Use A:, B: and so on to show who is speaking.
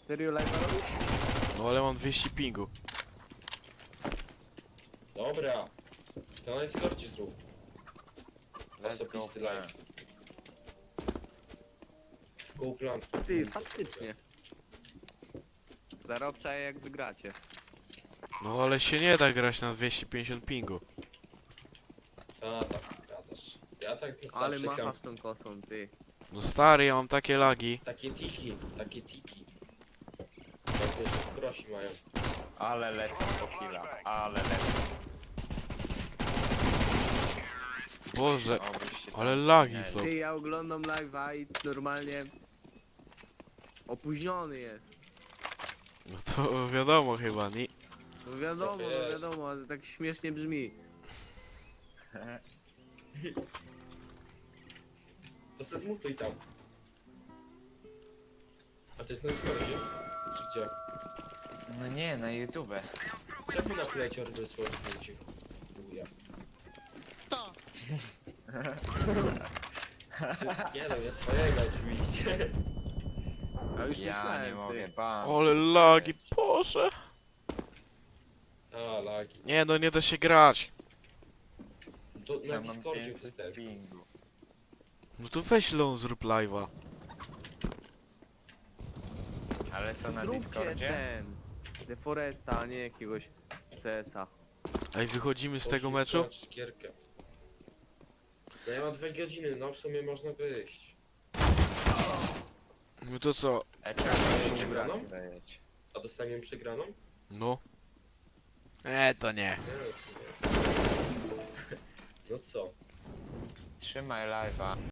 A: Serio live robisz?
B: No ale mam 200 pingu.
C: Dobra. To na Discordzie zrób.
D: Let's go
C: Osobisty
D: plan.
C: live. Go plan.
A: Ty, faktycznie. Zarobczaję jak wygracie.
B: No ale się nie da grać na 250 pingu.
C: A tak, gadasz. Ja tak
A: Ale
C: zawsze gram.
A: machasz tą kosą, ty.
B: No stary, ja mam takie lagi.
C: Takie tiki. Jak wiesz, prosi mają.
D: Ale lecą po killa, ale lecą.
B: Boże,
D: Obyście tam
B: ale lagi
D: zginęli.
B: są.
A: Ty, ja oglądam live'a i normalnie... Opóźniony jest.
B: No to wiadomo chyba, nie?
A: No wiadomo,
C: Tak jest.
A: wiadomo, ale tak śmiesznie brzmi.
C: To se zmutuj tam. A to jest na Discordzie? Czy gdzie?
D: No nie, na YouTube.
C: Czemu na plecior wysłał zdjęcie? Chuja.
A: To!
C: Nie no, ja swojego oczywiście.
A: A już
D: Ja
A: myślałem,
D: nie mogę,
A: ty.
D: bam.
B: Ale lagi, Boże.
C: A, lagi.
B: Nie no, nie da się grać.
C: To
D: Ja
C: na
D: mam
C: Discordzie
D: 500
C: występ.
D: pingu.
B: No to weź lą, zrób live'a.
D: Ale co na
A: Zróbcie
D: Discordzie?
A: ten. Deforesta, a nie jakiegoś CS-a.
B: Ej, wychodzimy z tego
C: Poszli
B: meczu?
C: sprawdzić gierkę. No ja mam 2 godziny, no w sumie można wyjść.
B: No to co?
D: Czemu
C: Przegraną?
D: dajecie?
C: A dostaniemy przegraną?
B: No. To nie.
C: Nie, to nie. No co?
D: Trzymaj live'a.